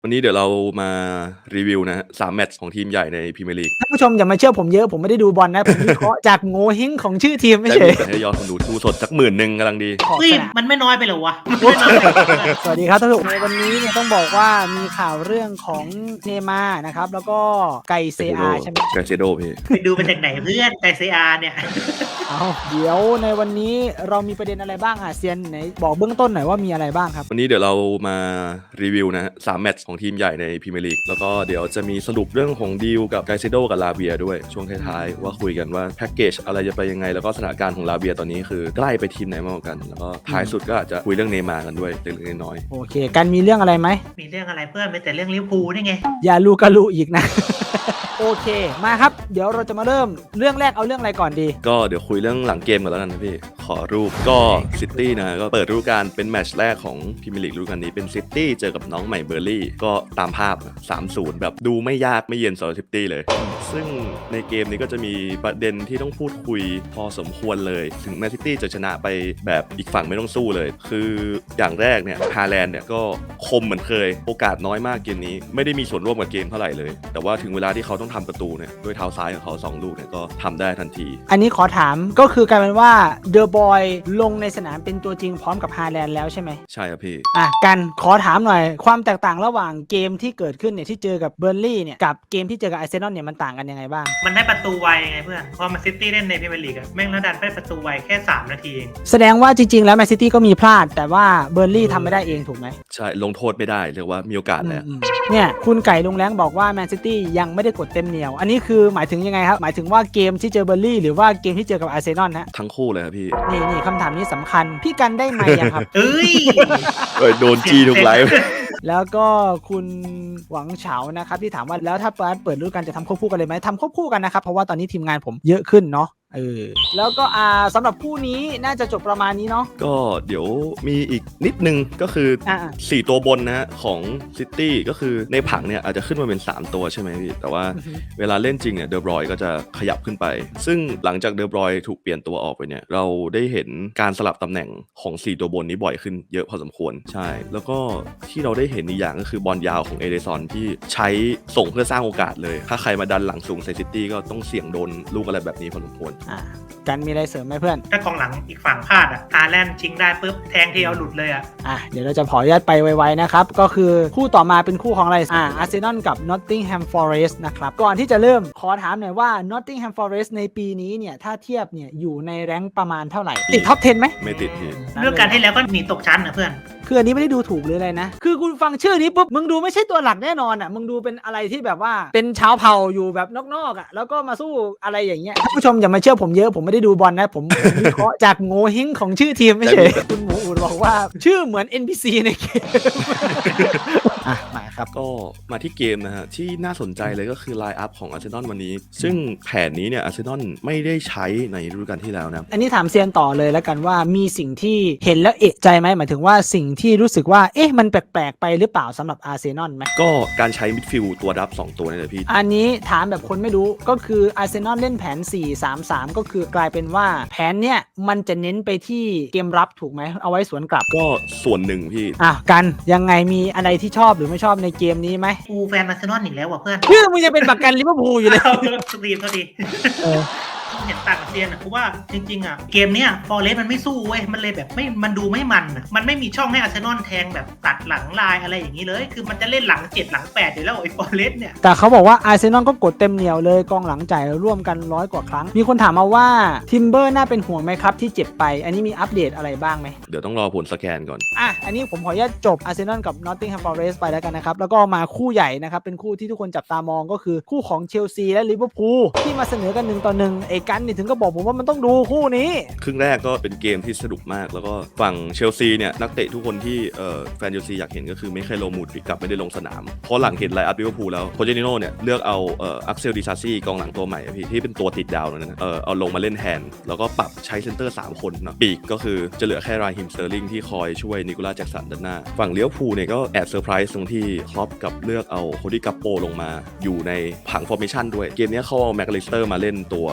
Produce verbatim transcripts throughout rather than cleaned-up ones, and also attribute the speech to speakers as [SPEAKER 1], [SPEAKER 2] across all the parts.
[SPEAKER 1] วันนี้เดี๋ยวเรามารีวิวนะฮะสามแมตช์ของทีมใหญ่ในพรีเมียร์ลีก
[SPEAKER 2] ท่านผู้ชมอย่ามาเชื่อผมเยอะผมไม่ได้ดูบอลนะ ผมวิเคราะห์จากโง่เฮงของชื่อทีมไม่
[SPEAKER 1] ได้
[SPEAKER 2] เฉ
[SPEAKER 1] มี
[SPEAKER 2] ย
[SPEAKER 1] แต่ให้ยอดคนดูดูสดสักหมื่นหนึ่งกำลังดี
[SPEAKER 2] ขอบ
[SPEAKER 3] เฮ้ย
[SPEAKER 2] สนาม
[SPEAKER 3] มันไม่น้อยไปเหรอวะมันไม่น้อยไปเหรอ
[SPEAKER 2] สวัสดีครับท่านผู้ชมในวันนี้เนี่ยต้องบอกว่ามีข่าวเรื่องของเนย์มาร์นะครับแล้วก็ไก่เซอาใช่ไหม
[SPEAKER 1] ไกเซโดพี่
[SPEAKER 3] ไปดูมาจากไหนเพื่อนไกซีอาร์เนี่ย
[SPEAKER 2] เอาเดี๋ยวในวันนี้เรามีประเด็นอะไรบ้างอ่ะเซียนไหนบอกเบื้องต้นหน่อยว่ามีอะไรบ้างครับ
[SPEAKER 1] วันนี้เดี๋ยวเรามารีวิวนะฮะสามแมตช์ของทีมใหญ่ในพรีเมียร์ลีกแล้วก็เดี๋ยวจะมีสรุปเรื่องของดีลกับไกเซโดกับลาเบียด้วยช่วงท้ายๆว่าคุยกันว่าแพ็กเกจอะไรจะไปยังไงแล้วก็สถานการณ์ของลาเบียตอนนี้คือใกล้ไปทีมไหนมากกว่ากันแล้วก็ท้ายสุดก็อาจจะคุยเรื่องเนย์มาร์กันด้วยเล็กๆน้อย
[SPEAKER 2] โอเคกันมีเรื่องอะไรไหม
[SPEAKER 3] มีเรื่องอะไรเพื่อนไม่แต่เรื่องลิเวอร์พูลนี่ไง
[SPEAKER 2] อย่าลูกะลูอีกนะ โอเคมาครับเดี๋ยวเราจะมาเริ่มเรื่องแรกเอาเรื่องอะไรก่อนดี
[SPEAKER 1] ๆก็เดี๋ยวคุยเรื่องหลังเกมกันแล้วกันนะพี่ขอรูปก็ซิตี้นะก็เปิดฤดูกาลเป็นแมตช์แรกของพรีเมียร์ลีกฤดูกาลนี้เป็นซิตี้เจอกับน้องใหม่เบอร์ลี่ก็ตามภาพ สามศูนย์ แบบดูไม่ยากไม่เย็นสำหรับซิตี้เลย ซึ่งในเกมนี้ก็จะมีประเด็นที่ต้องพูดคุยพอสมควรเลยถึงแมนซิตี้จะชนะไปแบบอีกฝั่งไม่ต้องสู้เลย คืออย่างแรกเนี่ยฮาแลนด์เนี่ยก็คมเหมือนเคยโอกาสน้อยมากเกมนี้ไม่ได้มีส่วนร่วมกับเกมเท่าไหร่เลยแต่ว่าถึงเวลาที่เขาต้องทำประตูเนี่ยด้วยเท้าซ้ายของเขาสองลูกเนี่ยก็ทำได้ทันที
[SPEAKER 2] อันนี้ขอถามก็คือกลายเป็นว่าเดอะบอยลงในสนามเป็นตัวจริงพร้อมกับฮาแลนด์แล้วใช่ไหม
[SPEAKER 1] ใช่ครับพี่
[SPEAKER 2] อ่ะกันขอถามหน่อยความแตกต่างระหว่างเกมที่เกิดขึ้นเนี่ยที่เจอกับเบอร์ลี่เนี่ยกับเกมที่เจอกับอาร์เซนอลเนี่ยมันต่างกันยังไงบ้าง
[SPEAKER 3] มันได้ประตูไวไงเพื่อนพอมาซิตี้เล่นในพรีเมียร์ลีกอะแม่งแล้วดันได้ประตูไวแค่สามนาทีเอง
[SPEAKER 2] แสดงว่าจริงๆแล้วแมนซิตี้ก็มีพลาดแต่ว่าเบอร์ลี่ทำไม่ได้เองถูกไหม
[SPEAKER 1] ใช่ลงโทษไม่ได้เรียกว่ามีโอกาสแหละ
[SPEAKER 2] อืมๆเนี่ยคุณไก่ลุงแรงบอกว่าแมนซิตี้ยังไม่ได้กดเต็มเหนียว อันนี้คือหมายถึงยังไงครับหมายถึงว่าเกมที่เจอเบอร์ลี่หรือว่าเกมที่เจอกับอาร์เซนอลฮะ
[SPEAKER 1] ทั้งคู่เลยครับพี่
[SPEAKER 2] นี่นี่คำถามนี้สำคัญพี่กันได้ไหมยังครับ
[SPEAKER 3] เอ้ย
[SPEAKER 1] เอ้ยโดนจี้ทุกไลฟ์
[SPEAKER 2] แล้วก็คุณหวังเฉานะครับที่ถามว่าแล้วถ้าเปิดเปิดฤดูกาลจะทำควบคู่กันเลยไหมทำควบคู่กันนะครับเพราะว่าตอนนี้ทีมงานผมเยอะขึ้นเนาะเออแล้วก็อ่าสำหรับคู่นี้น่าจะจบประมาณนี้เนาะ
[SPEAKER 1] ก็เดี๋ยวมีอีกนิดนึงก็คืออา สี่ตัวบนนะฮะของซิตี้ก็คือในผังเนี่ยอาจจะขึ้นมาเป็นสามตัวใช่ไหมพี่แต่ว่า
[SPEAKER 2] อือฮึ
[SPEAKER 1] เวลาเล่นจริงเนี่ยเดอบรอยก็จะขยับขึ้นไป ซึ่งหลังจากเดอบรอยถูกเปลี่ยนตัวออกไปเนี่ยเราได้เห็นการสลับตำแหน่งของสี่ตัวบนนี้บ่อยขึ้นเยอะพอสมควรใช่แล้วก็ที่เราได้เห็นอีกอย่างก็คือบอลยาวของเอเดซอนที่ใช้ส่งเพื่อสร้างโอกาสเลยถ้าใครมาดันหลังสูงใส่ซิตี้ก็ต้องเสี่ยงโดนลูกอะไรแบบนี้พอสมควร
[SPEAKER 2] อ่ากันมีอะไรเสริมไหมเพื่อน
[SPEAKER 3] ถ้ากองหลังอีกฝั่งพลาดอะฮาแลนด์ชิงได้ปุ๊บแทงทีเอาหลุดเลยอะ
[SPEAKER 2] อ่ะเดี๋ยวเราจะขออนุญาตไปไวๆนะครับก็คือคู่ต่อมาเป็นคู่ของอะไรอ่าอาร์เซนอลกับ Nottingham Forest นะครับก่อนที่จะเริ่มขอถามหน่อยว่า Nottingham Forest ในปีนี้เนี่ยถ้าเทียบเนี่ยอยู่ในแรงค์ประมาณเท่าไหร่ติดท็อปสิบไหม
[SPEAKER 1] ไม่ติดพี่
[SPEAKER 3] เรื่องการที่แล้วก็หนีตกชั้นนะเพื่อน
[SPEAKER 2] คืออันนี้ไม่ได้ดูถูกหรืออะไรนะ คือคุณฟังชื่อนี้ปุ๊บ มึงดูไม่ใช่ตัวหลักแน่นอนอ่ะ มึงดูเป็นอะไรที่แบบว่า เป็นชาวเผ่าอยู่แบบนอกๆอ่ะ แล้วก็มาสู้อะไรอย่างเงี้ยท่านผู้ชมอย่ามาเชื่อผมเยอะ ผมไม่ได้ดูบอลนะ ผมผมวิเคราะห์จากโง่เฮงของชื่อทีมไม่ใช่คุณหมูอูดบอกว่าชื่อเหมือน เอ็น พี ซี ในเกม อ่ะมาครับ
[SPEAKER 1] ก็มาที่เกมนะฮะที่น่าสนใจเลยก็คือไลน์อัพของอาร์เซนอลวันนี้ ซึ่งแผนนี้เนี่ยอาร์เซนอลไม่ได้ใช้ในฤดูกาลที่แล้วนะ
[SPEAKER 2] อันนี้ถามเซียนต่อเลยแล้วกันว่ามีสิ่งที่เห็นแล้วเอะใจไหมหมายถึงว่าสิ่งที่รู้สึกว่าเอ๊ะมันแปลกๆไปหรือเปล่าสำหรับอาร์เซนอลไหม
[SPEAKER 1] ก็การใช้มิดฟิลด์ตัวรับสองตัวนี่แหละพี่
[SPEAKER 2] อันนี้ถามแบบคนไม่รู้ก็คืออาร์เซนอลเล่นแผน สี่ สาม สาม ก็คือกลายเป็นว่าแผนเนี้ยมันจะเน้นไปที่เกมรับถูกไหมเอาไว้สวนกลับ
[SPEAKER 1] ก็ส่วนหนึ่งพี่
[SPEAKER 2] อ่ะกันยังไงมีอะไรที่ชอบหรือไม่ชอบในเกมนี้ไหม
[SPEAKER 3] กูแฟนอาร์เซนอลอีกแล้วว่ะเพื่อน
[SPEAKER 2] เพื่อมึงจะเป็นบักกันลิเวอร์พูลอยู่เลย
[SPEAKER 3] เอาสตรีมก็ดี
[SPEAKER 2] เออ
[SPEAKER 3] เห็นต่างกับเซียนอะเพราะว่าจริงๆอะเกมเนี้ยฟอร์เรสมันไม่สู้เว้ยมันเลยแบบไม่มันดูไม่มันอะมันไม่มีช่องให้อาร์เซนอลแทงแบบตัดหลังลายอะไรอย่างนี้เลย คือมันจะเล่นหลังเจ็ดหลังแปดอยู่แล้วไอ้ฟอร์เรสเนี่ย
[SPEAKER 2] แต่เขาบอกว่าอาร์เซนอลก็กดเต็มเหนียวเลยกองหลังจ่ายร่วมกันร้อยกว่าครั้ง มีคนถามมาว่าทิมเบอร์น่าเป็นห่วงไหมครับที่เจ็บไป อันนี้มีอัปเดตอะไรบ้างไหม
[SPEAKER 1] เดี๋ยวต้องรอผลสแกนก่อน
[SPEAKER 2] อ่ะ อันนี้ผมขออนุญาตจบอาร์เซนอลกับ Nottingham Forest ไปแล้วกันนะครับ แล้วก็มาคู่ใหญ่นะครับ เป็นคู่ที่ทุกคนจับตามองก็คือคู่ของเชลซีและลิเวอร์พูลที่มาเสนอกันหนึ่งต่อหนึ่งไอ้กันนี่ถึงก็บอกผมว่ามันต้องดูคู่นี้
[SPEAKER 1] ครึ่งแรกก็เป็นเกมที่สนุกมาก แล้วก็ฝั่งเชลซีเนี่ยนักเตะทุกคนที่เอ่อแฟนเชลซีอยากเห็นก็คือไม่เคยโลมูดกลับไม่ได้ลงสนาม เพราะหลังเห็นไลน์อัพลิเวอร์พูลแล้วโคเจนิโน่เนี่ยเลือกเอาเอ่ออักเซลดิซาซี่กองหลังตัวใหม่อะพี่ที่เป็นตัวติดดาวนั่นนะเออเอาลงมาเล่นแทนแล้วก็ปรับใช้เซนเตอร์สามคนเนาะปีกก็คือจะเหลือแค่ไรฮิมสเตอร์ลิงที่คอยช่วยนิโคลัสแจ็คสันด้านหน้าฝั่งเลี้ยวพูลเนี่ยก็แอบเซอร์ไพรส์ตรงที่คล็อปกับเลือกเอาโคดี้กัปโปลงมาอยู่ในผังฟอร์เมชันด้วยเกมนี้เขาเอาแม็กอลิสเตอร์มาเล่นตัวโฮ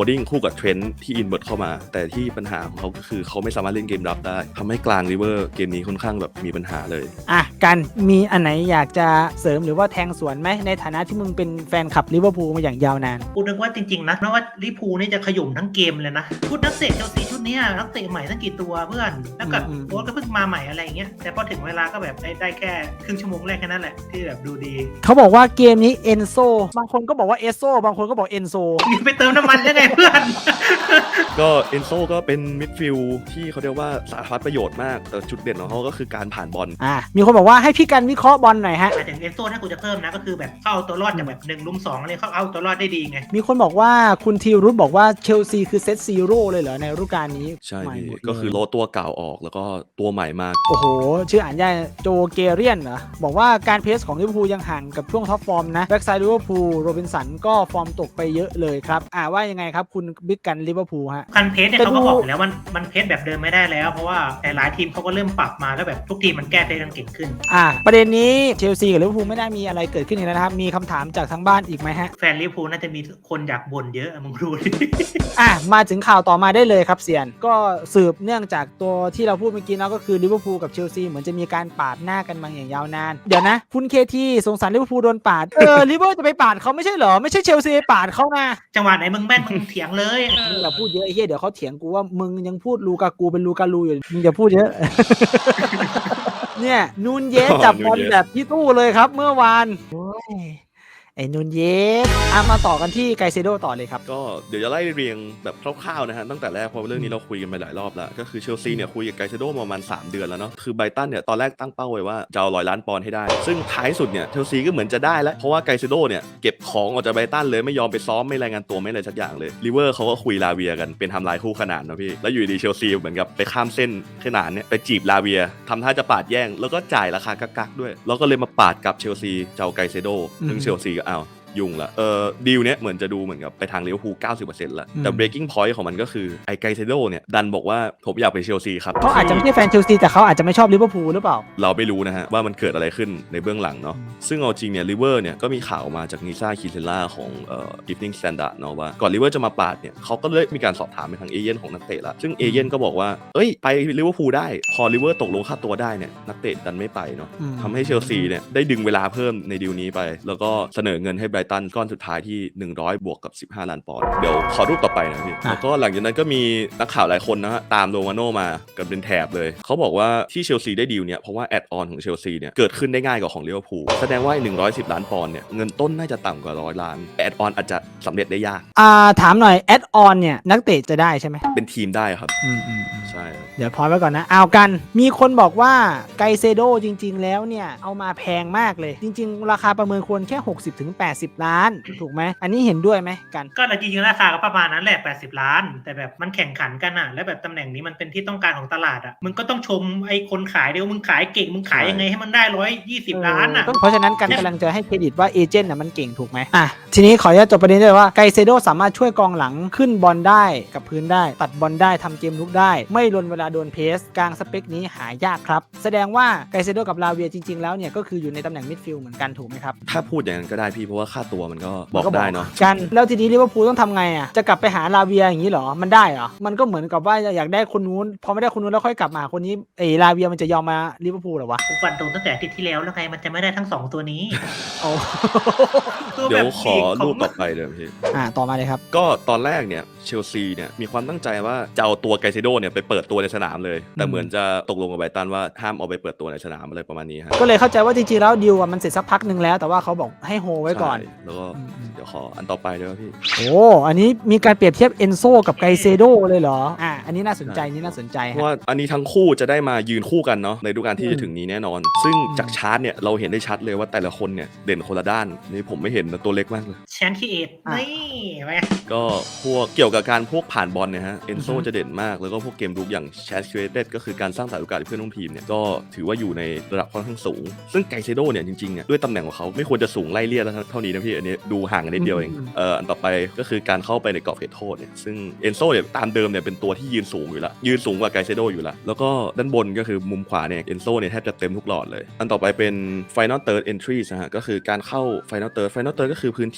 [SPEAKER 1] ดิ้งคู่กับเทรนด์ที่อินเวิร์ตเข้ามาแต่ที่ปัญหาของเขาก็คือเขาไม่สามารถเล่นเกมรับได้ทำให้กลางริเวอร์เกมนี้ค่อนข้างแบบมีปัญหาเลย
[SPEAKER 2] อ่ะกันมีอันไหนอยากจะเสริมหรือว่าแทงสวนไหมในฐานะที่มึงเป็นแฟนคลับลิเวอร์พูลมาอย่างยาวนาน
[SPEAKER 3] กูนึกว่าจริงๆนะเพราะว่าลิเวอร์พูลนี่จะขยุ่มทั้งเกมเลยนะพูดนักเตะเชลซีชุดนี้นักเตะใหม่ตั้งกี่ตัวเพื่อนแล้วก็โค้ชก็เพิ่งมาใหม่อะไรอย่างเงี้ยแต่พอถึงเวลาก็แบบได้ได้แค่ครึ่งชั่วโมงแรกแค่นั้นแหละที่แบบดูดี
[SPEAKER 2] เขาบอกว่าเกมนี้เอนโซบางคนก็บอกว่าเอสโซบางคนก็บอกเอนโซ
[SPEAKER 3] ไปเติมน้ำมันยังไงเพื่อน
[SPEAKER 1] ก็เอนโซก็เป็นมิดฟิลด์ที่เขาเรียกว่าสารพัดประโยชน์มากแต่จุดเด่นของเขาก็คือการผ่านบอล
[SPEAKER 2] อ่ามีคนบอกว่าให้พี่กันวิเคราะห์บอลหน่อยฮะ
[SPEAKER 3] แต่ถึงเอนโซถ้ากูจะเพิ่มนะก็คือแบบเข้าตัวรอดจากแบบหนึ่งลุมสองอะไรเขาเอาตัวรอดได้ดีไง
[SPEAKER 2] มีคนบอกว่าคุณทีรุธบอกว่าเชลซีคือเซตซีโร่เลยเหรอในฤดูกาลนี้
[SPEAKER 1] ใช่ก็คือโลตัวเก่าออกแล้วก็ตัวใหม่มาก
[SPEAKER 2] โอ้โหชื่ออ่านยากโจเกเรียนเหรอบอกว่าการเพสของลิเวอร์พูลยังห่างกับช่วงท็อปฟอร์มนะแบ็กไซด์ลิเวอร์พูลโรบินสันก็ฟอร์มตกไปเยอะเลยครับอ่าว่ายังไงครับคุณบิ๊กกันลิเวอร์พูลฮะ
[SPEAKER 3] การเพสเนี่ยเขาก็บอกแล้วมันมันเพสแบบเดิมไม่ได้แล้วเพราะว่าแต่หลายทีมเขาก็เริ่มปรับมาแล้วแบบทุกทีมมันแก้เพสกันเก่งขึ้น
[SPEAKER 2] อ่าประเด็นนี้เชลซีกับลิเวอร์พูลไม่ได้มีอะไรเกิดขึ้นอีกแล้วนะครับมีคำถามจากทางบ้านอีกไหมฮะ
[SPEAKER 3] แฟนลิเวอร์พูลน่าจะมีคนอยากบ่นเยอะมึงรู้ดิ
[SPEAKER 2] อ่ะมาถึงข่าวต่อมาได้เลยครับเซียนก็สืบเนื่องจากตัวที่เราพูดเมื่อกี้เนาะก็คือลิเวอร์พูลกับเชลซีเหมือนจะมีการปาดหน้ากันมาอย่างยาวนานเดี๋ยวนะคุณเคทีสงสารลิเวอร์พูลโดนปาดเออลิเวอร์จะไปปาดเขาไม่ใช่เหรอไม่ใช่เชลซีไปปาดเขานะ
[SPEAKER 3] จังหวะไหนมึงแม่นมึงเถียงเลย
[SPEAKER 2] มึงอย่าพูดเยอะไอ้เหี้ยเดี๋ยวเขาเถียงกูว่ามึงยังพูดลูกากูเป็นลูกาลูอยู่มึงอย่าพูดเยอะเนี่ยนูนเยสจับบอลแบบพี่ตู้เลยครับเมื่อวานโอ้ยไอ้นูนเยสอ่ะมาต่อกันที่ไกเซโดต่อเลยครับ
[SPEAKER 1] ก็เดี๋ยวจะไล่เรียงแบบคร่าวๆนะฮะตั้งแต่แรกเพราะเรื่องนี้เราคุยกันไปหลายรอบแล้วก็คือเชลซีเนี่ยคุยกับไกเซโดประมาณสามเดือนแล้วเนาะคือไบรตันเนี่ยตอนแรกตั้งเป้าไว้ว่าจะเอาร้อยล้านปอนด์ให้ได้ซึ่งท้ายสุดเนี่ยเชลซีก็เหมือนจะได้แล้วเพราะว่าไกเซโดเนี่ยเก็บของออกจากไบรตันเลยไม่ยอมไปซ้อมไม่รายงานตัวไม่อะไรสักอย่างเลยลิเวอร์เขาก็คุยลาเวียกันเป็นทำลายคู่ขนานนะพี่แล้วอยู่ดีเชลซีเหมือนกับไปข้ามเส้นขนานเนี่ยไปจีบลาเวียทำท่าจะปาดแย่งแล้วก็จ่ายราคากักๆด้วยแล้วก็เลยมาปาดกับเชลซีเจ้าไกเซโดซึ่งเชลซีก็เอายุ่งละเออดีลเนี้ยเหมือนจะดูเหมือนกับไปทางลิเวอร์พูล เก้าสิบเปอร์เซ็นต์ ละแต่ breaking point ของมันก็คือไอ้ไกเซโดเนี่ยดันบอกว่าผมอยากไปเชลซีครับ
[SPEAKER 2] เขาอาจจะไม่ใช่แฟนเชลซีแต่เขาอาจจะไม่ชอบลิเวอร์พูลหรือเปล่า
[SPEAKER 1] เราไม่รู้นะฮะว่ามันเกิดอะไรขึ้นในเบื้องหลังเนาะซึ่งเอาจริงเนี่ยลิเวอร์เนี่ยก็มีข่าวมาจากนิซ่าคิเซล่าของเอ่อ Evening Standard เนาะว่าก่อนลิเวอร์จะมาปาดเนี่ยเขาก็เลยมีการสอบถามไปทางเอเย่นของนักเตะละซึ่งเอเย่นก็บอกว่าเอ้ยไปลิเวอร์พูลได้พอลิเวอร์ตกลงค่าตัวได้เนี่ยนักเตะดันไม่ไปเนาะทำให้เชลซีเนี่ยได้ดึงเวลาเพิ่มในดีลนี้ไปแล้วก็เสนอเงินให้ไบรตันก้อนสุดท้ายที่หนึ่งร้อยบวกกับสิบห้าล้านปอนด์เดี๋ยวขอรูปต่อไปนะพี่แล้วก็หลังจากนั้นก็มีนักข่าวหลายคนนะฮะตามโรมาโน่มากันเป็นแถบเลยเขาบอกว่าที่เชลซีได้ดีลเนี่ยเพราะว่าแอดออนของเชลซีเนี่ยเกิดขึ้นได้ง่ายกว่าของลิเวอร์พูลแสดงว่าหนึ่งร้อยสิบล้านปอนด์เนี่ยเงินต้นน่าจะต่ำกว่าร้อยล้านแอดออนอาจจะสำเร็จได้ยาก
[SPEAKER 2] อ่าถามหน่อยแอดออนเนี่ยนักเตะจะได้ใช่ไหม
[SPEAKER 1] เป็นทีมได้ครับ
[SPEAKER 2] อืมอืม
[SPEAKER 1] ใช่
[SPEAKER 2] เดี๋ยวพอไว้ก่อนนะเอากันมีคนบอกว่าไกเซโดจริงๆแล้วเนี่ยเอามาแพงมากเลยจริงๆราคาประเมินควรแค่ หกสิบถึงแปดสิบ ล้านถูกไหมอันนี้เห็นด้วยไหมกัน
[SPEAKER 3] ก็จริงๆราคาก็ประมาณนั้นแหละแปดสิบล้านแต่แบบมันแข่งขันกันอ่ะแล้วแบบตำแหน่งนี้มันเป็นที่ต้องการของตลาดอ่ะมึงก็ต้องชมไอ้คนขายเดี๋ยวมึงขายเก่งมึงขายยังไงให้มันได้หนึ่งร้อยยี่สิบล้านอ่ะ
[SPEAKER 2] เพราะฉะนั้นกันกำลังจะให้เครดิตว่าเอเจนต์น่ะมันเก่งถูกไหมอ่ะทีนี้ขออนุญาตจบประเด็นด้วยว่าไกเซโดสามารถช่วยกองหลังขึ้นบอลได้กับพื้นได้ตัดบอลได้ทำเกมลุกได้ไม่ลนเวลาโดนเพสกลางสเปคนี้หายากครับแสดงว่าไกเซโดกับลาเวียจริงๆแล้วเนี่ยก็คืออยู่ในตำแหน่งมิดฟิลด์เหมือนกันถูกไหมครับ
[SPEAKER 1] ถ้าพูดอย่างนั้นก็ได้พี่เพราะว่าค่าตัวมันก็บอกได้เนาะ
[SPEAKER 2] กันแล้วทีนี้ลิเวอร์พูลต้องทำไงอ่ะจะกลับไปหาลาเวียอย่างนี้เหรอมันได้เหรอมันก็เหมือนกับว่าอยากได้คนนู้นพอไม่ได้คนนู้นแล้วค่อยกลับมาคนนี้เอลาเวียมันจะยอมมาลิเวอร์พูลเหรอวะ
[SPEAKER 3] ผมฟันตรงตั้งแต่อาทิตย์ที่แล้วแล้วไงมันจะไม่ได้ทั้งสองตัวนี้
[SPEAKER 1] เดี๋ยวขอรูปต่อไปเลยพี่
[SPEAKER 2] อ่าต่อมาเลยครับ
[SPEAKER 1] ก็ตอนแรกเนี่ยเชลซีเนี่ยมีความตั้งใจว่าจะเอาตัวไกเซโดเนี่ยไปเปิดตัวในสนามเลยแต่เหมือนจะตกลงกับไบรตันว่าห้ามเอาไปเปิดตัวในสนามอะไรประมาณนี้ฮะ
[SPEAKER 2] ก็เลยเข้าใจว่าจริงๆแล้วดีลมันเสร็จสักพักนึงแล้วแต่ว่าเขาบอกให้โฮไว้ก่อน
[SPEAKER 1] แล้วก็เดี๋ยวขออันต่อไปด้วยพี่
[SPEAKER 2] โอ้อันนี้มีการเปรียบเทียบเอนโซกับไกเซโดเลยเหรออ่าอันนี้น่าสนใจนี่น่าสนใจ
[SPEAKER 1] เพราะว่าอันนี้ทั้งคู่จะได้มายืนคู่กันเนาะในฤดูกาลที่จะถึงนี้แน่นอนซึ่งจากชาร์ตเนี่ยเราเห็นได้ชัดเลยว่าแต่ละคนเนี่ยเด่นคนละด้านนี่ผมไม่เห็นนะตัวเล็กมากเลย
[SPEAKER 3] แชนคีเอทนี่ไหม
[SPEAKER 1] ก็พวกเกี่ยวกับการพวกผ่านบอลเนี่ยฮะเอนโซจะเด่นมากแล้วก็พวกเกมรุกอย่างแชนคีเอทก็คือการสร้างสรรค์โอกาสให้เพื่อนร่วมทีมเนี่ยก็ถือว่าอยู่ในระดับค่อนข้างสูงซึ่งไกเซโดเนี่ยจริงๆเนี่ยด้วยตำแหน่งของเขาไม่ควรจะสูงไล่เลี่ยเท่านี้นะพี่อันนี้ดูห่างกันนิดเดียวเองเอ่ออันต่อไปก็คือการเข้าไปในกรอบเขตโทษเนี่ยซึ่งเอนโซเนี่ยตามเดิมเนี่ยเป็นตัวที่ยืนสูงอยู่แล้วยืนสูงกว่าไกเซโดอยู่แล้วแล้วก็ด้านบนก็คือมุมขวาเนี่ยเอนโซเนี่ยแทบจะเต็มทุกหลอดเลยอันต่อไปเป็น Final Third Entries นะฮะก็คือการเข้า Final Third Final Third ก็คือพื้นที่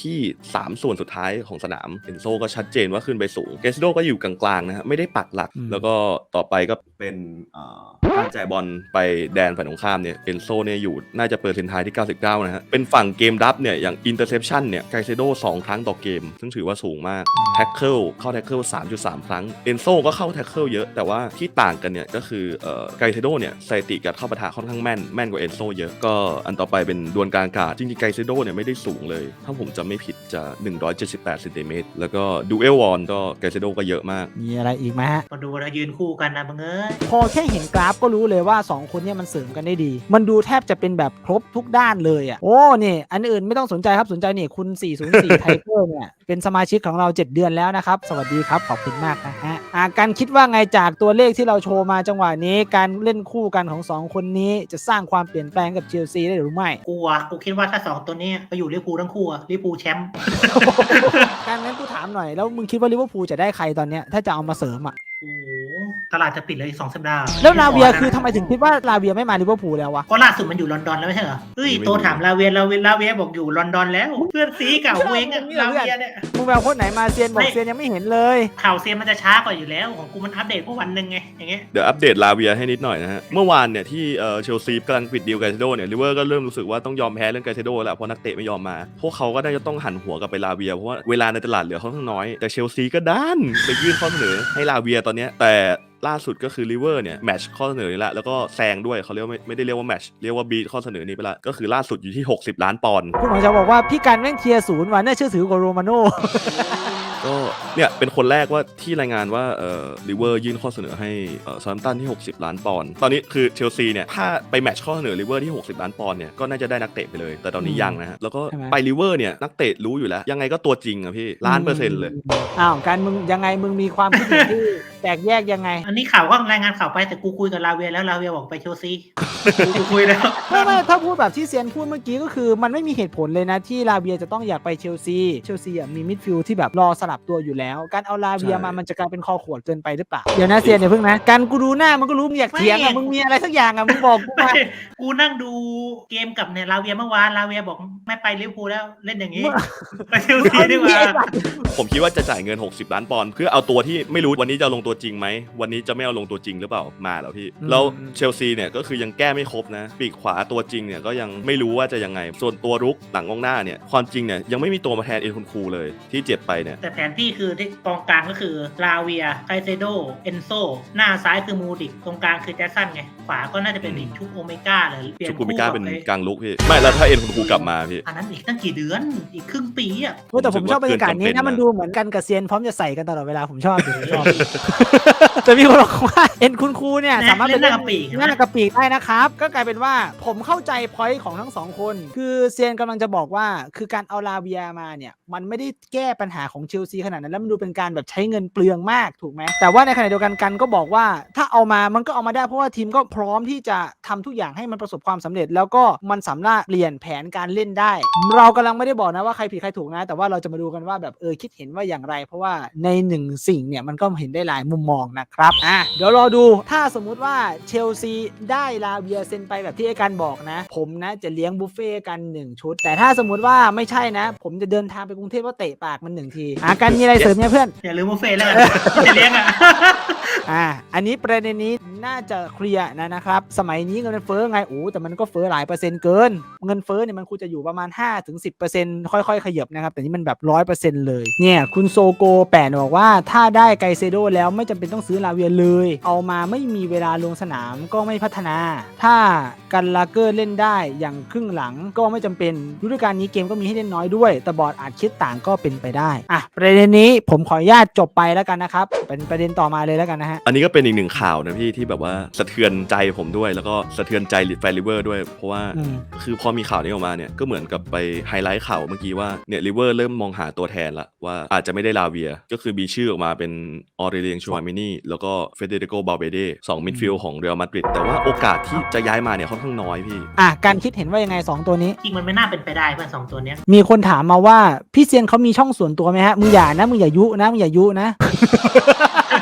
[SPEAKER 1] ที่สามส่วนสุดท้ายของสนามเอนโซก็ชัดเจนว่าขึ้นไปสูงเกซิโดก็อยู่กลางๆนะฮะไม่ได้ปักหลักแล้วก็ต่อไปก็เป็นการจ่ายบอลไปแดนฝ่ายตรงข้ามเนี่ยเอนโซเนี่ยอยู่น่าจะเปอร์เซ็นต์ไทที่เก้าสิบเก้านะฮะเป็นฝั่งเกมรับเนี่ยอย่างอินเตอร์เซปชันเนี่ยไกเซโดสองครั้งต่อเกมซึ่งถือว่าสูงมากแท็กเกิลเข้าแท็กเกิล สามจุดสาม ครั้งเอนโซก็เข้าแท็กเกิลเยอะแต่ว่าที่ต่างกันเนี่ยก็คือเอ่อไกเซโดเนี่ยสถิติการเข้าปะทะค่อนข้างแม่นแม่นกว่าเอนโซเยอะก็อันต่อไปเป็นดวลกลางอากาศจริงๆไกเซโดเนี่ยไม่ได้สูงเลยถ้าผมจำไม่ผิดจะหนึ่งร้อยเจ็ดสิบแปดเซนติเมตรแล้วก็ดูเอลวอนก็ไกเซโดก็เยอะมาก
[SPEAKER 2] มีอะไรอีกไหมฮะ
[SPEAKER 3] มาดูแล้วยืนคู่กันนะมึงเอ้ย
[SPEAKER 2] พอแค่เห็นกราฟก็รู้เลยว่าสองคนเนี่ยมันเสริมกันได้ดีมันดูแทบจะเป็นแบบครบทุกด้านเลยอ่ะโอ้นี่อันอื่นไม่ต้องสนใจครับสนใจนี่คุณสี่ศูนย์สี่ไทเกอร์เนี่ยเป็นสมาชิกของเราเจ็ดเดือนแล้วนะครับสวัสดีครับขอบคุณมากนะฮะอ่าการคิดว่าไงจากตัวเลขที่เราโชว์มาจังหวะนี้การเล่นคู่กันของสองคนนี้จะสร้างความเปลี่ยนแปลงกับเชลซีได้หรือไม่
[SPEAKER 3] กูอ่ะกูคิดว่าถ้าสองตัวนี้ไปอยู่ลิเวอร์พูลทั้งคู่อ่ะลิเวอร์พูลแชมป์
[SPEAKER 2] การนั้นกูถามหน่อยแล้วมึงคิดว่าลิเวอร์พูลจะได้ใครตอนเนี้ยถ้าจะเอามาเสริมอ่ะ
[SPEAKER 3] โอ้ตลาดจะปิดเลยอีกสองสัปดาห์
[SPEAKER 2] แล้วลาเวียคือทำไมถึงคิดว่าลาเวียไม่มาลิเวอร์พูลแล้ววะ
[SPEAKER 3] ก็ล่าสุดมันอยู่ลอนดอนแล้วไม่ใช่เหรอเฮ้ยโตถามลาเวียลาเวียลาเวียบอกอยู่ลอนดอนแล้วเพื่อนซีเก่าเว้งอะลาเวียเนี่ย
[SPEAKER 2] มึงแววโค้ดไหนมาเซียนบอกเซียนยังไม่เห็นเลย
[SPEAKER 3] ข่าวเซียนมันจะช้ากว่าอยู่แล้วของกูมันอัปเดตแค่วันนึงไงอย่างเงี้ย
[SPEAKER 1] เดี๋ยวอัปเดตลาเวียให้นิดหน่อยนะฮะเมื่อวานเนี่ยที่เอ่อเชลซีกำลังปิดดีลไกเซโดเนี่ยลิเวอร์ก็เริ่มรู้สึกว่าต้องยอมแพ้เรื่องไกเซโดแล้วเพราะนักเตะไม่ยอมมาพวกเขาก็ได้จะต้องหันหัวกลับไปลาเวียเพราะว่าเวลาในตลาดเหลือค่อนข้างน้อยแต่เชลซีก็ด้านไปยื่นข้อเสนอให้ลาเวียตอนเนี้ยแต่ล่าสุดก็คือลิเวอร์เนี่ยแมทช์ข้อเสนอนี้ละแล้วก็แซงด้วยเขาเรียกว่าไม่ไม่ได้เรียกว่าแมทช์เรียกว่าบีทข้อเสนอนี้ไปละก็คือล่าสุดอยู่ที่หกสิบล้านปอนด์
[SPEAKER 2] คุณหมอจะบอกว่าพี่การแม่งเทียร์ศูนย์ว่ะน่าเชื่อถือกว่าโรมาโน่
[SPEAKER 1] ก็เนี่ยเป็นคนแรกว่าที่รายงานว่าเอ่อลิเวอร์ยื่นข้อเสนอให้เอ่อซาร์ตันที่หกสิบล้านปอนด์ตอนนี้คือเชลซีเนี่ยถ้าไปแมทช์ข้อเสนอลิเวอร์ที่หกสิบล้านปอนด์เนี่ยก็น่าจะได้นักเตะไปเลยแต่ตอนนี้ยังนะฮะแล้วก็ไปลิเวอร์เนี่ยนักเตะรู้อยู่แล้วยังไงก็ตัวจริงอะพี่ล้านเปอร์เซ็นต์เลย
[SPEAKER 2] อ้าวการมึงยังไงมึงมีความคิดเห็นที่แตกแยกยังไง
[SPEAKER 3] อันนี้ข่าวก็รายงานข่าวไปแต่กูคุยกับลาเวียแล้วลาเวียบอกไปเชลซีกูคุยแล้ว
[SPEAKER 2] ไม่ไม่ถ้าพูดแบบที่เซียนพูดเมื่อกี้ก็คือมันไม่มีเหตุผลเลยนะที่ลาเวียจะต้องอยากไปเชลซีเชลซีอ่ะมีมิดฟิลด์ที่แบบรอสลับตัวอยู่แล้วการเอาลาเวียมามันจะกลายเป็นคอขวดเกินไปหรือเปล่าเดี๋ยวนะเซียนอย่าเพิ่งนะการกูดูหน้ามันก็รู้มึงอยากเถียงอ่ะมึงมีอะไรสักอย่างอ่ะมึงบอกกูมา
[SPEAKER 3] กูนั่งดูเกมกับเนี่ยลาเวียเมื่อวานลาเวียบอกไม่ไปลิเวอร์พูลแล้วเล่นอย่างนี้ไปเชลซีดีกว่า
[SPEAKER 1] ผมคิดว่าจะจ่ายเงินหกสิบล้านปอนด์เพื่อเอาตัวที่ไม่รู้วันนี้จะลงตัวจริงไหมวันนี้จะไม่เอาลงตัวจริงหรือเปล่ามาแล้วพี่แล้วเชลซีเนี่ยก็คือยังแก้ไม่ครบนะปีกขวาตัวจริงเนี่ยก็ยังไม่รู้ว่าจะยังไงส่วนตัวรุกหลังกองหน้าเนี่ยความจริงเนี่ยยังไม่มีตัวมาแทนเอ็นคุนคูเลยที่เจ็บไปเนี่ย
[SPEAKER 3] แต่แผนที่คือที่กองกลางก็คือลาเวียไคเซโดเอนโซหน้าซ้ายคือมูดิกตรงกลางคือแจ็คสันไงขวาก็น่าจะเป็นอีกชุกโอเมก้าเลย
[SPEAKER 1] เปลี่ยนชุกโอเมก้าเป็นกลางลุกพี่ไม่แล้วถ้าเอ็นคุนคูกลับมาพี่
[SPEAKER 3] อันนั้นอีกตั้งกี่เดือนอีกครึ่งปีอ่ะ
[SPEAKER 2] แต่ผมชอบบรรยากาศนี้นะมันดูเหมือนกันกับเซียนพร้อมจะใส่กันตลอดเวลาผมชอบชอบแต่มีคนบอกว่าเอ็นคุนคูเนี่ยสามารถเป็นหน้ากระปีกหน้ากระปีกได้นะครับก็กลายเป็นว่าผมเข้าใจพอยต์ของทั้งสองคนคือเซียนกำลังจะบอกว่าคือการเอาลาเวียมาเนี่ยมันไม่ได้แก้ปัญหาของเชลซีขนาดนั้นแล้วมันดูเป็นการแบบใช้เงินเปลืองมากถูกไหมแต่ว่าในขณะเดียวกันกันก็บอกว่าถ้าเอามามันก็เอามาได้เพราะว่าทีมก็พร้อมที่จะทำทุกอย่างให้มันประสบความสำเร็จแล้วก็มันสามารถเปลี่ยนแผนการเล่นได้เรากำลังไม่ได้บอกนะว่าใครผิดใครถูกนะแต่ว่าเราจะมาดูกันว่าแบบเออคิดเห็นว่าอย่างไรเพราะว่าในหนึ่งสิ่งเนี่ยมันก็เห็นได้หลายมุมมองนะครับอ่ะเดี๋ยวรอดูถ้าสมมุติว่าเชลซีได้ลาเวียเซ็นไปแบบที่ไอ้กันบอกนะผมนะจะเลี้ยงบุฟเฟ่กันหนึ่งชุดแต่ถ้าสมมุติว่าไม่ใช่นะผมจะเดินทางไปกรุงเทพว่าเตะปากมันหนึ่งทีอ่ะกันมีอะไรเสริมเนี่ยเพื่อน
[SPEAKER 3] อย่าลืมบุฟเฟ่แล้วจะเลี้ยงอ่ะ
[SPEAKER 2] อ่าอันนี้ประเด็นนี้น่าจะเคลียร์นะนะครับสมัยนี้เงินเฟ้อไงโอ้แต่มันก็เฟ้อหลายเปอร์เซ็นต์เกินเงินเฟ้อเนี่ยมันควรจะอยู่ประมาณ ห้าถึงสิบเปอร์เซ็นต์ ค่อยๆขยับนะครับแต่นี่มันแบบ ร้อยเปอร์เซ็นต์ เลยเนี่ยคุณโซโกแปดบอกว่าถ้าได้ไกเซโดแล้วไม่จำเป็นต้องซื้อลาเวียเลยเอามาไม่มีเวลาลงสนามก็ไม่พัฒนาถ้ากันลาเกอร์เล่นได้อย่างครึ่งหลังก็ไม่จำเป็นฤดูกาลนี้เกมก็มีให้เล่นน้อยด้วยแต่บอร์ดอาจคิดต่างก็เป็นไปได้อ่ะประเด็นนี้ผมขออนุญาตจบไปแล้วกันนะครับเป็นประเด็นต่อมาเลยแล้วกันนะฮะ
[SPEAKER 1] อันนี้ก็เป็นอีกหนึ่งข่าวนะพี่ที่แบบว่าสะเทือนใจผมด้วยแล้วก็สะเทือนใจแฟนลิเวอร์ด้วยเพราะว่าคือพอมีข่าวนี้ออกมาเนี่ยก็เหมือนกับไปไฮไลท์ข่าวเมื่อกี้ว่าเนี่ยลิเวอร์เริ่มมองหาตัวแทนละว่าอาจจะไม่ได้ลาเวียก็คือมีชื่อออกมาเป็นออเรเลียงชูวามินีแล้วก็เฟเดริโกบาเบเดสองมิดฟิลด์ของเรอัลมาดริดแต่ว่าโอกาสที่จะย้ายมาเนี่ยค่อนข้างน้อยพี่
[SPEAKER 2] อ่ะการคิดเห็นว่ายังไงสองตัวนี้
[SPEAKER 3] จริงมันไม่น่าเป็นไปได้เพื่อนสองตัวเนี้ย
[SPEAKER 2] มีคนถามมาว่าพี่เซียนเขามีช่องส่วนตัวไหมฮะมึงอย่านะมึงอย่ายุนะมึงอย่ายุนะ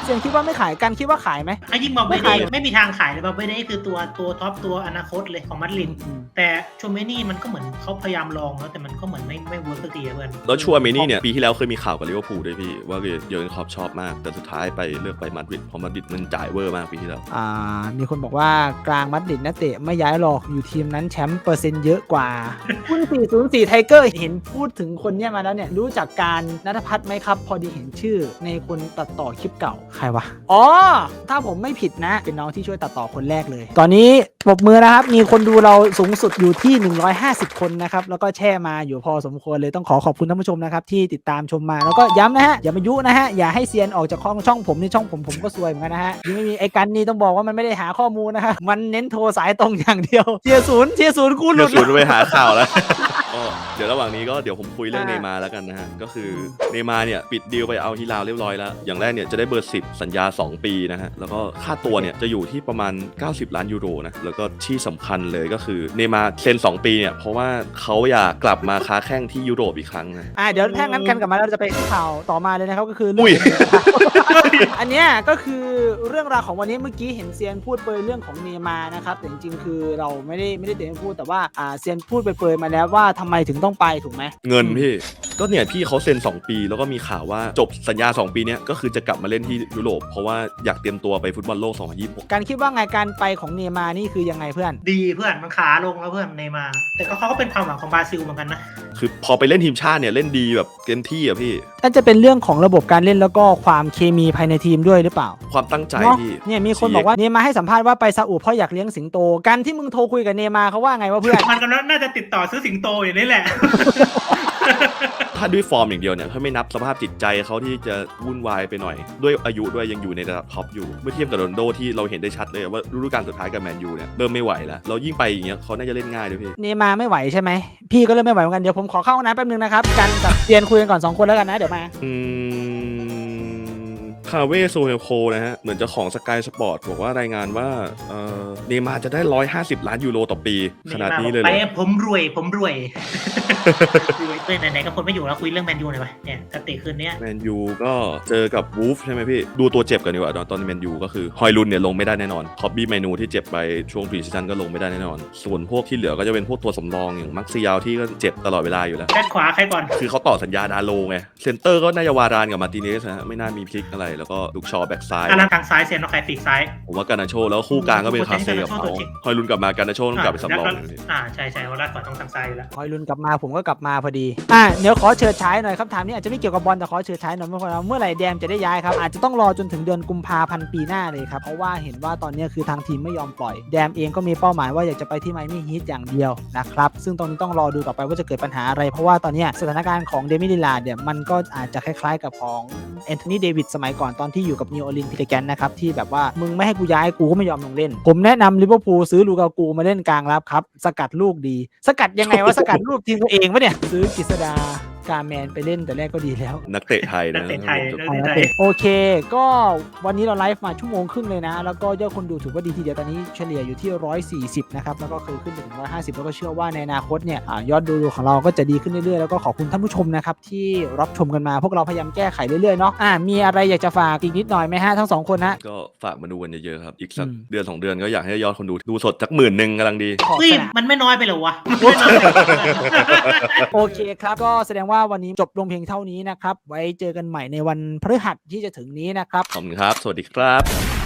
[SPEAKER 2] เซียนคิดว่าไม่ขายกันคิดว่าขายไหม
[SPEAKER 3] ไอ้ยิ่งบาเบ
[SPEAKER 2] ไม่
[SPEAKER 3] เด
[SPEAKER 2] ขาย
[SPEAKER 3] ไม่มีทางขายเลยบาเบเดคือตัวตัวท็อปตัวอนาคตเลยของมาดริดแต่โชเมนี่มันก็เหมือนเขาพยายามลองแล้วแต่มันก็เหมือนไม่ไม่เวิร์กสักทีอะเพื่อน
[SPEAKER 1] แล้วชัวร์เมนี่เนี่ยปีที่แล้วเคยมีข่าวกับลิเวอร์พูลด้วยพี่ว่าเยอร์เกนคล็อปชอบมากแต่สุดท้ายไปเลือกไปมาดริดเพราะมาดริดมันจ่ายเวอร์มากปีที่แล้ว
[SPEAKER 2] อ่ามีคนบอกว่ากลางมาดริดนักเตะไม่ย้ายหรอกอยู่ทีมนั้นแชมป์เปอร์เซ็นต์เยอะกว่าคุณสี่ศูนย์สี่ไทเกอร์เห็นพูดถึงคนเนี้ยมาแล้วเนี่ยรู้จักการณัฐพัฒน์ไหมครับพอดีเห็นชื่อในคนตัดต่อคลิปเก่าใครวะอ๋อถ้าผมไม่ผิดนะเป็นน้องที่ช่วยตัดต่อคนแรกเลยตอนนี้ปรบมือนะครับมีคนดูเราสูงสุดอยู่ที่หนึ่งร้อยห้าสิบคนนะครับแล้วก็แช่มาอยู่พอสมควรเลยต้องขอขอบคุณท่านผู้ชมนะครับที่ติดตามชมมาแล้วก็ย้ำนะฮะอย่ามายุนะฮะอย่าให้เซียนออกจากช่องช่องผมนี่ช่องผมผมก็ซวยเหมือนกันนะฮะยังไม่มีไอ้กันนี่ต้องบอกว่ามันไม่ได้หาข้อมูลนะฮะมันเน้นโทรสายตรงอย่างเดียวเทียร์ศูนย์เทียร์ศูนย์กูห
[SPEAKER 1] เดี๋
[SPEAKER 2] ลุ
[SPEAKER 1] ยว
[SPEAKER 2] ด
[SPEAKER 1] ศูนย์ไปหาข่าวแล้ว ก็เดี๋ยวระหว่างนี้ก็เดี๋ยวผมคุยเรื่อง
[SPEAKER 2] อ่า
[SPEAKER 1] เนย์มาร์แล้วกันนะฮะก็คือเนย์มาร์เนี่ยปิดดีลไปเอาฮิลาลเรียบร้อยแล้วอย่างแรกเนี่ยจะได้เบอร์สิบสัญญาสองปีนะฮะแล้วก็ค่าตัวเนี่ยจะอยู่ที่ประมาณเก้าสิบล้านยูโรนะแล้วก็ที่สำคัญเลยก็คือเนย์มาร์เซ็นสองปีเนี่ยเพราะว่าเขาอยากกลับมาค้าแข้งที่ยุโรปอีกครั้งนะ
[SPEAKER 2] อ่าเดี๋ยวถ้างั้นกันกลับมาเราจะไปที่ข่าวต่อมาเลยนะครับก็คือเรื่
[SPEAKER 1] อุ้ย
[SPEAKER 2] อันเนี้ยก็คือเรื่องราวของวันนี้เมื่อกี้เห็นเซียนพูดเปรยเรื่องของเนย์มาร์นะครับแต่จริงๆคือเราไม่ได้ไม่ได้เต็มพูดแต่ว่าอ่าเซียนพูดไปเปรยมาแล้วว่าทำไมถึงต้องไปถูกไหม
[SPEAKER 1] เงินพี่ก็เนี่ยพี่เขาเซ็นสองปีแล้วก็มีข่าวว่าจบสัญญาสองปีเนี้ยก็คือจะกลับมาเล่นที่ยุโรปเพราะว่าอยากเตรียมตัวไปฟุตบอลโลกสองพันยี่สิบหก
[SPEAKER 2] การคิดว่าไงการไปของเนย์มาร์นี่คือยังไงเพื่อน
[SPEAKER 3] ดีเพื่อนมันขาลงแล้วเพื่อนเนย์มาร์แต่ก็เขาก็เป็นความหวังของบราซิลเหมือนกันนะ
[SPEAKER 1] คือพอไปเล่นทีมชาติเนี่ยเล่นดีแบบเต็มที่อะพี่
[SPEAKER 2] น่าจะเป็นเรื่องของระบบการเล่นแล้วก็ความเคมีภายในทีมด้วยหรือเปล่า
[SPEAKER 1] ความตั้งใจ
[SPEAKER 2] เนาะ
[SPEAKER 1] พี่
[SPEAKER 2] เนี่ยมีคนบอกว่าเนย์มาร์ให้สัมภาษณ์ว่าไปซาอุเพราะอยากเลี้ยงสิงโตการที่มึงโทรคุยกับเนย์มาร์เขาว่าไงวะเพื่อน
[SPEAKER 3] มันก็น่าจะติดต่อซื้อสิงโตอยู่นี่แหละ
[SPEAKER 1] ถ้าด้วยฟอร์มอย่างเดียวเนี่ยถ้าไม่นับสภาพจิตใจเขาที่จะวุ่นวายไปหน่อย ด้วยอายุด้วยยังอยู่ในระดับท็อปอยู่เมื่อเทียบกับโรนลโดที่เราเห็นได้ชัดเลยว่าฤดูกาลสุดท้ายกับแมนยูเนี่ยเริ่มไม่ไหวแล้วเรายิ่งไปอย่างเงี้ยเขาน่าจะเล่นง่ายด้วยพี่
[SPEAKER 2] เนย์มาร์ไม่ไหวใช่ไหมพี่ก็เริ่มไม่ไหวเหมือนกันเดี๋ยวผมขอเข้าห้องน้ำแป๊บนึงนะครับกันกับเซียนคุยกันก่อนสองคนแล้วกันนะเดี๋ยวมา
[SPEAKER 1] อืมคาเว่โซเฮลโคนะฮะเหมือนจะของสกายสปอร์ตบอกว่ารายงานว่าเอ่อเนย์มาร์จะได้หนึ่งร้อยห้าสิบล้านยูโรต่อปีขนาดนี้เลยเหร
[SPEAKER 3] ไป
[SPEAKER 1] อ
[SPEAKER 3] ผมรวยผมรวย รวยเต้ยไหนๆก็คนไม่อยู่แล้วคุยเรื่องแมนยูหน่อยไปเนี่ยจะเตะคืนนี้
[SPEAKER 1] แมนยูก็เจอกับวูฟใช่ไหมพี่ ดูตัวเจ็บกันดีกว่าตอนตอนแมนยูก็คือฮอยลุนเนี่ยลงไม่ได้แน่นอนคอบบี้ไมนูที่เจ็บไปช่วงพรีซีซั่นก็ลงไม่ได้แน่นอน ส่วนพวกที่เหลือก็จะเป็นพวกตัวสำรองอย่างมักซิยาวที่ก็เจ็บตลอดเวลาอยู่แล้ว
[SPEAKER 3] ด้านขวาใครก่อน
[SPEAKER 1] คือเขาต่อสัญญาดาโลไงเซนเตอร์ก็น่าจะวารานกับมาร์ติเนสนะฮะไม่น่ามีพลิกอะไรแล้วก็ลูกชอแบ็กซ้าย
[SPEAKER 3] อารันทางซ้ายเซียนเอาใครปีกซ้าย
[SPEAKER 1] ผมว่าการนาโชแล้วคู่กลางก็เป็นคาเซ่กับเขาฮอยลุนกลับมาการนาโชต้องกลับไปสำรองอยู่พี่
[SPEAKER 3] อ่าใช่ใช่เขาด้านขวาต้องทางซ้ายอยู่แล้ว
[SPEAKER 2] คอยลุนกลับมาผมก็กลับมาพอดีอ่ะเดี๋ยวขอเชิญฉายหน่อยคำถามนี้อาจจะไม่เกี่ยวกับบอลแต่ขอเชิญฉายหน่อยเมื่อไหร่เมื่อไหร่แดมจะได้ย้ายครับอาจจะต้องรอจนถึงเดือนกุมภาพันธ์ปีหน้าเลยครับเพราะว่าเห็นว่าตอนนี้คือทางทีมไม่ยอมปล่อยแดมเองก็มีเป้าหมายว่าอยากจะไปที่ไมอามี่ฮีทอย่างเดียวนะครับซึ่งตรงนี้ต้องรอดูต่อไปว่าจะเกิดปัญหาอะไรเพราะว่าตอนนี้สถานการณ์ของเดมิลิลาร์ดเนี่ยมันก็อาจจะคล้ายๆกับของแอนโทนีเดวิดสมัยก่อนตอนที่อยู่กับนิวออร์ลีนส์พิเตแกนนะครับที่แบบว่ามึงไม่ให้กูย้ายกูก็ไม่ยอมลงเล่นผมแนะนำลิเวอร์พูลซื้อลูกากูมาเล่นกลางรับครับสกัดลูกดีสกัดยังไงวะสกัดลูกทีมตัวเองวะเนี่ยซื้อกฤษดากาแมนไปเล่นแต่แรกก็ดีแล้ว
[SPEAKER 1] นักเตะไทย
[SPEAKER 3] นั
[SPEAKER 1] นะ
[SPEAKER 3] กเตะไทยนักเตะไทย
[SPEAKER 2] โอเคก็วันนี้เราไลฟ์มาชั่วโมงครึ่งเลยนะแล้วก็ยอดคนดูถือว่าดีทีเดียวตอนนี้เฉลี่ยอยู่ที่หนึ่งร้อยสี่สิบนะครับแล้วก็เคยขึ้นไปถึงหนึ่งร้อยห้าสิบแล้วก็เชื่อว่าในอนาคตเนี่ยอ่ายอดดูของเราก็จะดีขึ้นเรื่อยๆแล้วก็ขอบคุณท่านผู้ชมนะครับที่รับชมกันมาพวกเราพยายามแก้ไขเรื่อยๆเนาะอ่ามีอะไรอยากจะฝากอีกนิดหน่อยไหมฮะทั้งสองคนฮะ
[SPEAKER 1] ก็ฝากมาดูกันเยอะๆครับอีกสัก
[SPEAKER 2] อืม
[SPEAKER 1] เดือนสองเดือนก็อยากให้ยอดคนดูดูสดสักหมื่นหนึ่งกำลังดี
[SPEAKER 2] ขอบ
[SPEAKER 3] เฮ้ย
[SPEAKER 2] สนาม
[SPEAKER 3] มันไม่น้อยไปเหรอวะมันไม่น้อยไปเหรอ
[SPEAKER 2] โอเคครับก็แสดงว่าวันนี้จบลงเพียงเท่านี้นะครับไว้เจอกันใหม่ในวันพฤหัสที่จะถึงนี้นะครับ
[SPEAKER 1] ขอบคุณครับ สวัสดีครับ